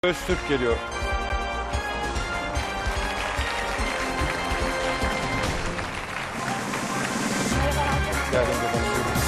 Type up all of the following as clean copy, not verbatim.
Öztürk geliyor. Geldim efendim.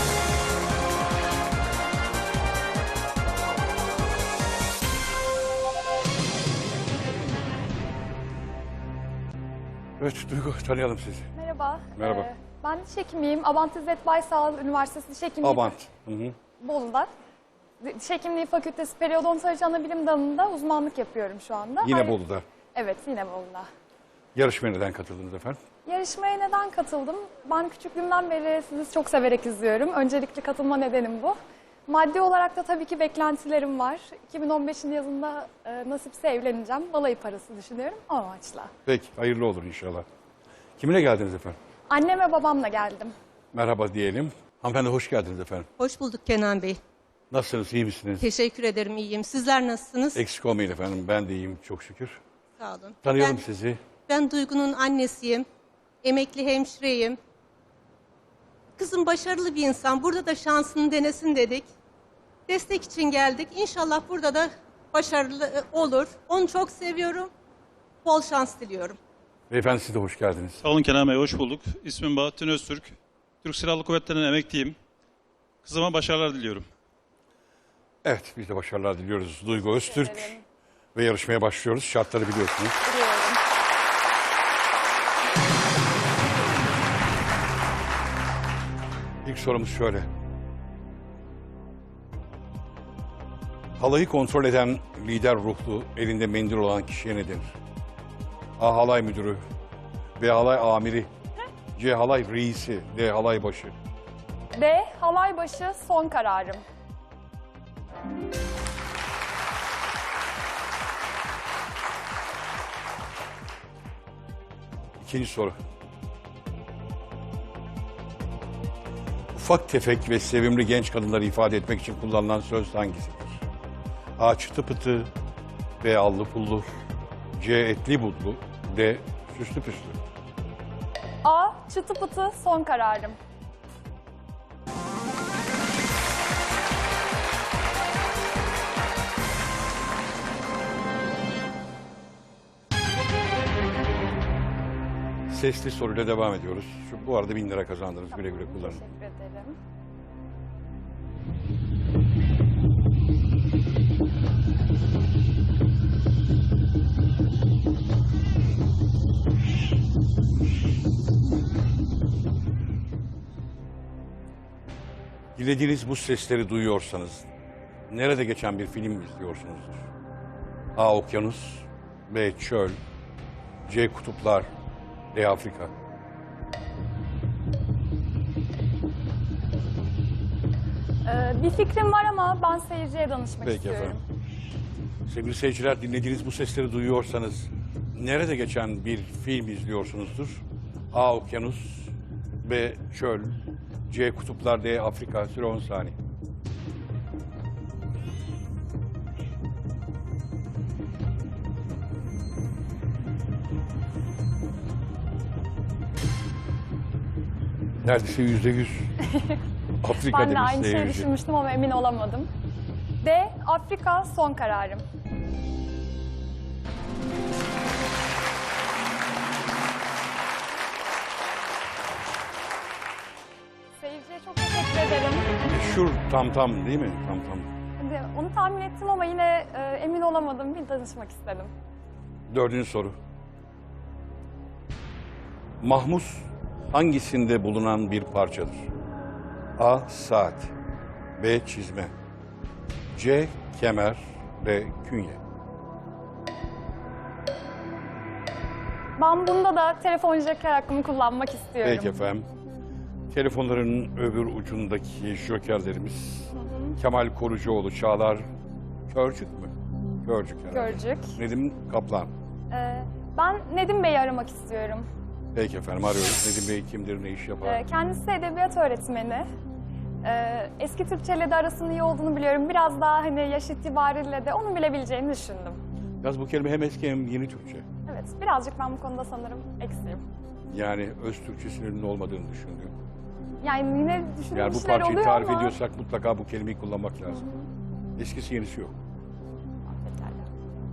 Evet Duygu, tanıyalım sizi. Merhaba. Merhaba. Ben diş hekimiyim. Abant İzzet Baysal Üniversitesi Diş Hekimliği Abant. Hı. Bolu'da. Diş Hekimliği Fakültesi Periodontoloji Anabilim Dalı'nda uzmanlık yapıyorum şu anda. Yine Bolu'da. Evet, yine Bolu'da. Yarışmaya neden katıldınız efendim? Yarışmaya neden katıldım? Ben küçüklüğümden beri sizi çok severek izliyorum. Öncelikli katılma nedenim bu. Maddi olarak da tabii ki beklentilerim var. 2015'in yazında nasipse evleneceğim. Balayı parası düşünüyorum o amaçla. Peki, hayırlı olur inşallah. Kiminle geldiniz efendim? Annem ve babamla geldim. Merhaba diyelim. Hanımefendi hoş geldiniz efendim. Hoş bulduk Kenan Bey. Nasılsınız, iyi misiniz? Teşekkür ederim, iyiyim. Sizler nasılsınız? Eksik olmayın efendim, ben de iyiyim çok şükür. Sağ olun. Tanıyalım sizi. Ben Duygu'nun annesiyim. Emekli hemşireyim. Kızım başarılı bir insan. Burada da şansını denesin dedik. Destek için geldik. İnşallah burada da başarılı olur. Onu çok seviyorum. Bol şans diliyorum. Beyefendi siz de hoş geldiniz. Sağ olun Kenan Bey, hoş bulduk. İsmim Bahattin Öztürk. Türk Silahlı Kuvvetleri'nin emekliyim. Kızıma başarılar diliyorum. Evet, biz de başarılar diliyoruz. Duygu Öztürk ederim. ve yarışmaya başlıyoruz. Şartları biliyorsunuz. Biliyorum. İlk sorumuz şöyle. Halayı kontrol eden lider ruhlu, elinde mendil olan kişiye ne denir? A. Halay müdürü. B. Halay amiri. C. Halay reisi. D. Halay başı. D. Halay başı son kararım. İkinci soru. Ufak tefek ve sevimli genç kadınları ifade etmek için kullanılan söz hangisidir? A. Çıtı pıtı. B. Allı pullu. C. Etli budlu. D. Süslü püslü. A. Çıtı pıtı son kararım. Sesli soruyla devam ediyoruz. Bu arada 1000 lira kazandınız. Güle güle kullanın. Teşekkür ederim. Dilediğiniz bu sesleri duyuyorsanız nerede geçen bir film izliyorsunuzdur? A. Okyanus. B. Çöl. C. Kutuplar. D. Afrika. Bir fikrim var ama ben seyirciye danışmak Peki istiyorum. efendim. Sevgili seyirciler, dinlediğiniz bu sesleri duyuyorsanız nerede geçen bir film izliyorsunuzdur? A. Okyanus. B. Çöl. C. Kutuplar. D. Afrika. Süre 10 saniye. Neredeyse %100 Afrika Ben de demiş aynı şeyi seyirci. düşünmüştüm ama emin olamadım. D. Afrika son kararım. Seyirciye çok teşekkür ederim. Meşhur tam tam değil mi? Tam tam. Onu tahmin ettim ama yine emin olamadım. Bir danışmak istedim. Dördüncü soru. Mahmus hangisinde bulunan bir parçadır? A. Saat. B. Çizme. C. Kemer. D. Künye. Ben bunda da telefon joker hakkımı kullanmak istiyorum. Peki efendim. Telefonların öbür ucundaki jokerlerimiz Kemal Korucuoğlu, Çağlar Körcük mü? Körcük herhalde. Görcük. Nedim Kaplan. Ben Nedim Bey'i aramak istiyorum. Peki efendim, arıyoruz. Nedim Bey kimdir, ne iş yapar? Kendisi edebiyat öğretmeni. Eski Türkçeyle de arasının iyi olduğunu biliyorum. Biraz daha hani yaş itibariyle de onu bilebileceğini düşündüm. Yalnız bu kelime hem eski hem yeni Türkçe. Evet, birazcık ben bu konuda sanırım eksiğim. Yani öz Türkçesinin olmadığını düşündüğüm. Yani yine düşündüğüm Yani bu şeyler parçayı oluyor tarif ama... ediyorsak mutlaka bu kelimeyi kullanmak lazım. Eskisi yenisi yok. Pekala.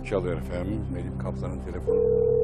Çalıyor efendim. Nedim Kaplan'ın telefonu.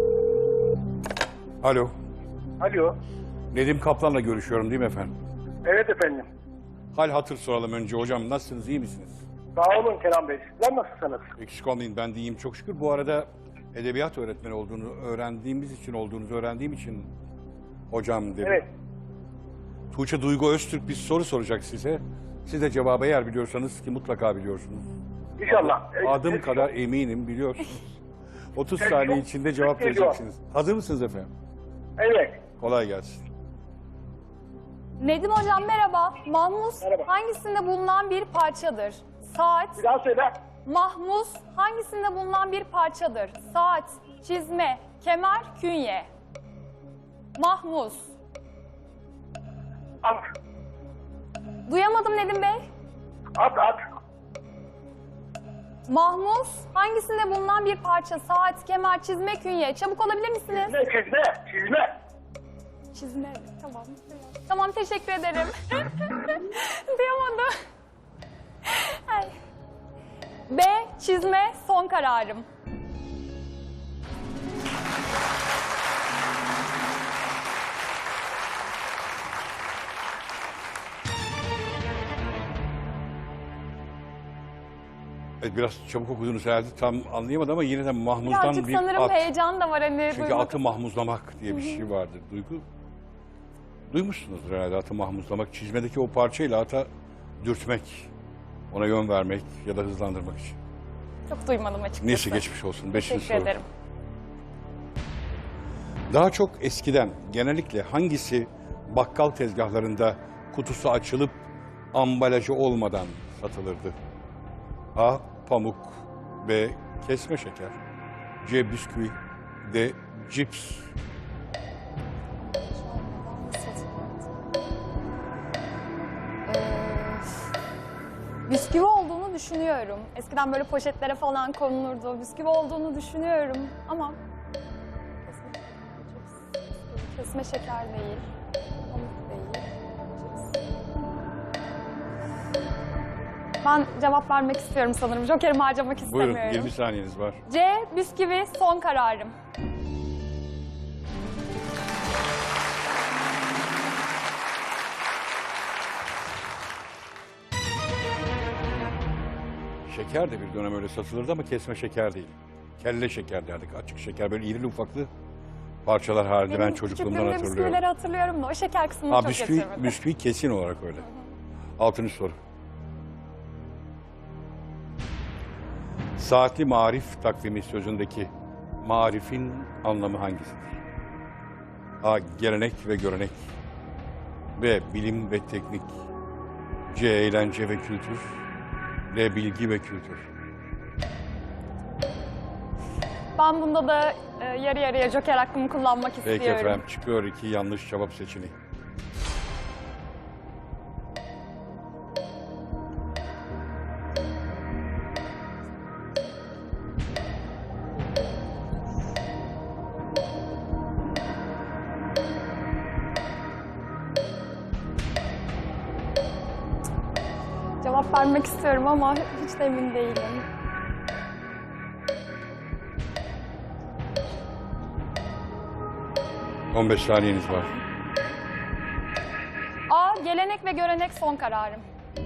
Alo. Alo. Nedim Kaplan'la görüşüyorum değil mi efendim? Evet efendim. Hal hatır soralım önce. Hocam nasılsınız, iyi misiniz? Sağ olun Kenan Bey. Sizler nasılsınız? Eksik olmayın, ben de iyiyim çok şükür. Bu arada edebiyat öğretmeni olduğunu olduğunuzu öğrendiğim için hocam dedim. Evet. Tuğçe Duygu Öztürk bir soru soracak size. Siz de cevabı eğer biliyorsanız, ki mutlaka biliyorsunuz. İnşallah. Adım kadar eminim biliyorsunuz. 30 saniye içinde cevap geliyor. vereceksiniz. Hazır mısınız efendim? Evet. Kolay gelsin. Nedim hocam merhaba. Mahmuz Merhaba. hangisinde bulunan bir parçadır? Saat. Bir daha söyle. Mahmuz hangisinde bulunan bir parçadır? Saat, çizme, kemer, künye. Mahmuz. At. Duyamadım Nedim Bey. At. Mahmuz hangisinde bulunan bir parça? Saat, kemer, çizme, künye. Çabuk olabilir misiniz? Çizme. Çizme. Tamam. Tamam, teşekkür ederim. Duyamadım. Ay. B. Çizme, son kararım. Evet, biraz çabuk okudunuz herhalde, tam anlayamadım ama yine de Mahmuz'dan Birazcık bir sanırım at. heyecan da var hani. Çünkü duymak atı mahmuzlamak diye bir şey vardır. Duygu. Duymuşsunuzdur herhalde, atı mahmuzlamak. Çizmedeki o parçayla ata dürtmek, ona yön vermek ya da hızlandırmak için. Çok duymadım açıkçası. Neyse, geçmiş olsun. Beşinci Teşekkür soru. ederim. Daha çok eskiden genellikle hangisi bakkal tezgahlarında kutusu açılıp ambalajı olmadan satılırdı? A. Pamuk. B. Kesme şeker. C. Bisküvi. D. Cips. Bisküvi olduğunu düşünüyorum. Eskiden böyle poşetlere falan konulurdu. Bisküvi olduğunu düşünüyorum ama kesme şeker değil. Pamuk değil. Ben cevap vermek istiyorum sanırım. Joker'imi harcamak istemiyorum. Buyurun, 20 saniyeniz var. C. Bisküvi son kararım. Şeker de bir dönem öyle satılırdı ama kesme şeker değil. Kelle şeker derdik. Açık şeker, böyle irili ufaklı parçalar halinde, ben Benim çocukluğumdan küçüklüğümde hatırlıyorum. bisküvileri hatırlıyorum da o şeker kısmını Ha, çok bisküvi, geçirmedim. bisküvi kesin olarak öyle. Altıncı soru. Saatli marif takvimi sözündeki marifin anlamı hangisidir? A. Gelenek ve görenek. B. Bilim ve teknik. C. Eğlence ve kültür. D. Bilgi ve kültür. Ben bunda da yarı yarıya Joker hakkımı kullanmak Peki istiyorum. efendim, çıkıyor 2 yanlış cevap seçeneği. Cevap vermek istiyorum ama hiç de emin değilim. Hı. 15 saniyeniz var. A. Gelenek ve görenek son kararım.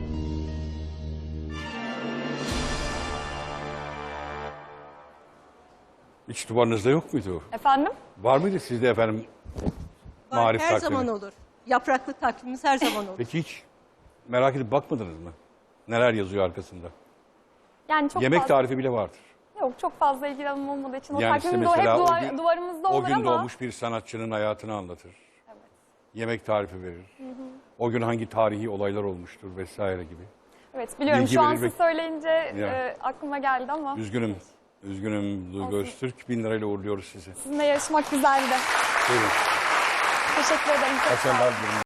İç duvarınızda yok muydu? Efendim? Var mıydı sizde efendim? Var, Marif her takvimi. zaman olur. Yapraklı takvimimiz her zaman olur. Peki hiç merak edip bakmadınız mı? Neler yazıyor arkasında? Yani çok Yemek fazla, tarifi bile vardır. Yok, çok fazla ilgilenim olmadığı için o Yani işte takvimde o hep mesela o gün- duvarımızda O olur gün ama doğmuş bir sanatçının hayatını anlatır. Yemek tarifi verir. O gün hangi tarihi olaylar olmuştur vesaire gibi. evet biliyorum bilgi şu an verir ve- siz söyleyince Ya. aklıma geldi ama Üzgünüm Duygu Olsun. Öztürk. 1000 lirayla uğurluyoruz sizi. sizinle yarışmak güzeldi. Buyurun. Teşekkür ederim. Çok sağ olun. Başarılar diliyorum.